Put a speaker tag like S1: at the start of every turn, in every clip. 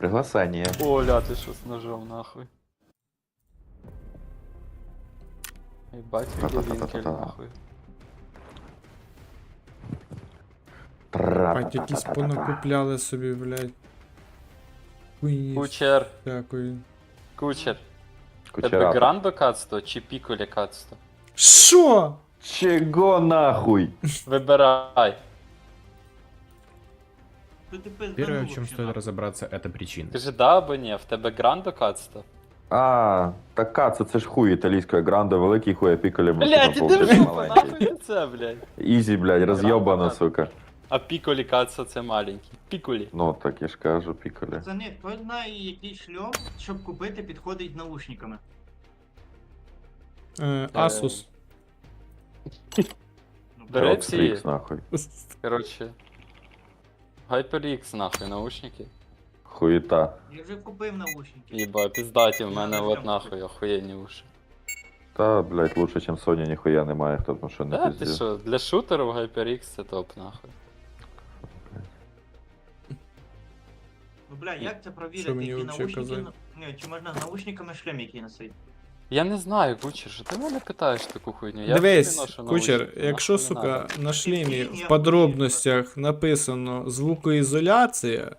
S1: Приглашение.
S2: Оля, ты что с ножом нахуй? Ебать, видеовинкель нахуй.
S3: Бать, якісь понакупляли собі, блядь. Хуйні
S2: Кучер,
S3: всякої.
S2: кучер. Тебе
S1: Кучерапа.
S2: грандо кацто чи піколі кацто?
S3: Що?
S1: Чего нахуй?
S2: Вибирай.
S4: Первое, в чем стоит разобраться, это причина.
S2: Скажи да або ні, в тебе грандо кацто?
S1: А, така, це ж хуй італійської гранда, великий хуй, а піколі
S2: Блядь, іди в жопу, нахуй ти це, блядь.
S1: Ізі, блядь, роз'єбана,
S2: Гранда,
S1: сука.
S2: А піколі кацто це маленький. Піколі.
S1: Ну, так я ж кажу, піколі.
S5: Пацани, хто знає, який шльом, щоб купити, підходить з наушниками.
S3: Asus.
S5: Ну,
S2: Бери
S1: Rock
S2: ці,
S1: Freaks, нахуй.
S2: короче. HyperX нахуй, наушники.
S1: Хуєта.
S5: Я вже купив наушники.
S2: Єба, піздаті, в мене от нахуй охуєнні уші.
S1: Та, блядь, лучше, чим Sony, ніхуя немає, хто тому що не
S2: Да, ти
S1: пиздів.
S2: що, для шутерів HyperX це топ нахуй.
S5: Ну бля, як це
S3: Що
S5: провірити,
S3: мені
S5: які
S3: вообще
S5: наушники...
S3: казати?
S5: Ні, чи можна з наушниками шлем який носити?
S2: Я не знаю, Кучер, що ти мене питаєш таку хуйню? Я
S3: Дивись,
S2: собі ношу
S3: Кучер,
S2: наушники,
S3: якщо,
S2: нахуй не
S3: сука,
S2: надо.
S3: на шлемі
S5: Я
S3: в
S5: хуй
S3: подробностях написано звукоізоляція,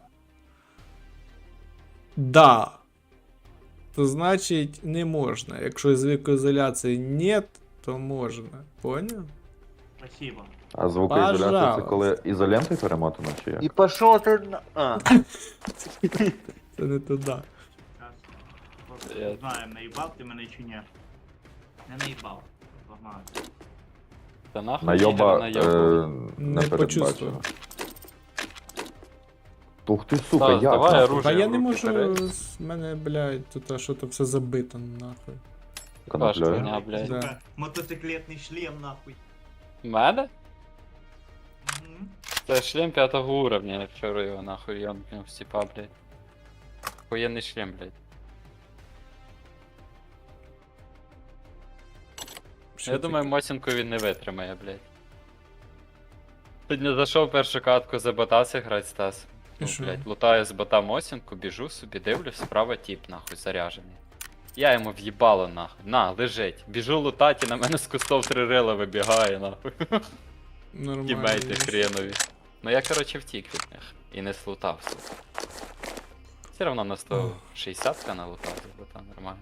S3: да, то значить не можна. Якщо звукоізоляції нет, то можна. Поняв?
S5: Спасибо.
S1: А звукоізоляція це
S3: Пожалуйста.
S1: коли ізолентою перемотано, чи як?
S2: І пошов ти на... А.
S3: Це не туди.
S5: Зараз.
S2: Я-
S5: Не знаю, наїбав ти мене чи ні. Не наїбав. Погнали.
S2: Та нахуй
S1: Найоба
S2: наєбав.
S3: Не
S1: не
S3: почувствував.
S1: передбачено. Ух ти, сука,
S2: Так,
S1: як?
S2: давай
S1: нахуй?
S2: оружие.
S3: Та я не
S2: в руки
S3: можу,
S2: бери.
S3: з мене, блядь, тут що то все забито нахуй.
S2: Паш,
S1: Коноплею.
S2: хуйня, блядь.
S3: Да.
S5: Сука, мотоциклетний шлем, нахуй.
S2: Мене?
S5: Мгм.
S2: Це шлем 5-го уровня, я вчора його нахуй йомкнув з тіпа, блядь. Охуєнний шлем, блядь.
S3: Що
S2: Я
S3: таке?
S2: думаю, Мосінку він не витримає, блядь. Сьогодні зайшов першу катку за бота грати Стас.
S3: І
S2: Ну,
S3: що?
S2: блядь, лутаю з бота Мосінку, біжу собі, дивлюсь, справа тіп, нахуй, заряжений. Я йому в'їбало, нахуй. На, лежить. Біжу лутати, на мене з кустов 3 рила вибігає, нахуй.
S3: Нормально.
S2: Тімейти хренові. Ну я, короче, втік від них. І не слутав, сука. Все равно на 160-ка налутав за бота, нормально.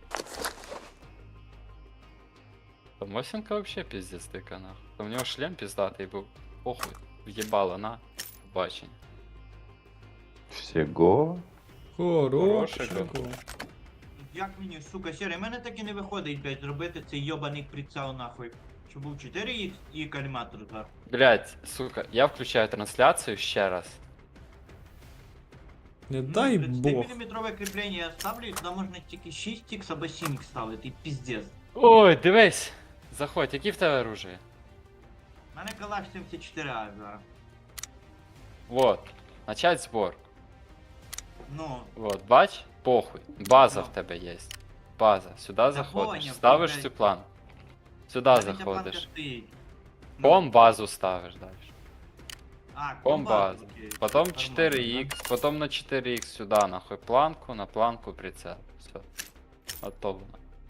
S2: То Мосінка вообще пиздец дика, нахуй. То в нього шлем піздатий був. Похуй. В'їбало, на. Побачення.
S1: Всього?
S3: Хорошого.
S5: Як мені, сука, сірий, мене так і не виходить, блядь, зробити цей йобаний прицел, нахуй. Щоб був 4х і каліматор зверху.
S2: Блять, сука, я включаю трансляцію ще раз.
S3: Не дай Бог.
S5: 30-мм кріплення я ставлю, і туди можна тільки 6х або 7х ставити, і піздец.
S2: Ой, дивись! Заходь, які в тебе оружие?
S5: У мене калаш 74А зараз.
S2: Вот. Начать збор.
S5: Ну,
S2: Вот, бач? Похуй. База
S5: Ну.
S2: в тебе є. База. Сюди заходиш.
S5: поняв,
S2: Ставиш
S5: блядь.
S2: цю план. Сюди
S5: в мене ця планка
S2: заходиш.
S5: стоїть. Ну,
S2: Ком базу ставиш далі.
S5: А,
S2: Ком базу.
S5: окей.
S2: Потом
S5: Нормально,
S2: 4х, потом на 4х сюди, нахуй планку, на планку прицел. Все. Готово.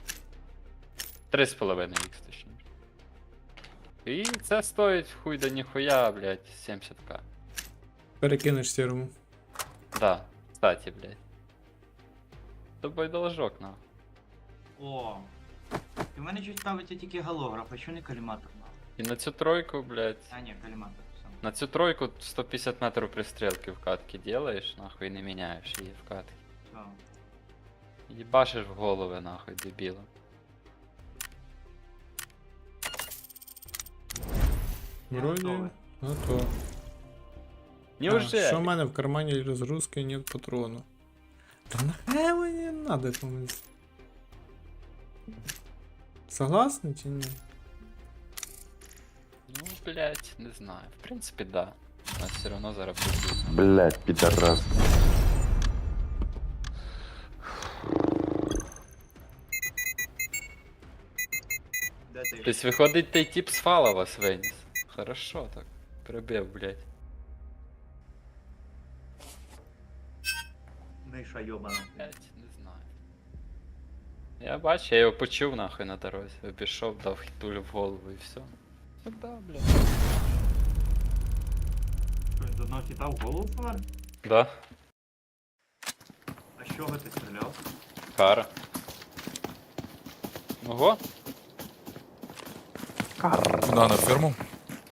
S2: 3,5х точніше. І це стоїть хуй да ніхуя, блядь, 70к.
S3: Перекинеш сірому.
S2: Да, кстати, блядь. Тобой должок, нахуй.
S5: О. І в мене щось ставиться тільки голограф, а що не каліматор, нахуй?
S2: І на цю тройку, блядь.
S5: А, ні, каліматор, все.
S2: На цю тройку 150 метрів пристрілки в катки делаєш, нахуй, і не міняєш її в катки.
S5: Все.
S2: Їбашиш в голови, нахуй, дебілом.
S5: Я
S3: Вроді.
S5: готовий.
S3: Готово.
S2: Неужели?
S3: Що в мене в кармані розгрузки нет патрону. Та нахай мені надо комусь. Согласны чи ні?
S2: Ну, блядь, не знаю. В принципі, да. У нас все равно зараз буде.
S1: Блядь, підарас.
S5: Де ти?
S2: Тобто, виходить, той тип з фала вас виніс. Хорошо так. Прибив, блядь.
S5: Миша йобана.
S2: Блять, не знаю. Я бачу, я його почув нахуй на дорозі. Обійшов, дав хітулю в голову і все. Сюда, блядь.
S5: Що, з одного хіта в голову фар?
S2: Да,
S5: А з чого ти стріляв?
S2: кара. Ого,
S6: Да, на ферму.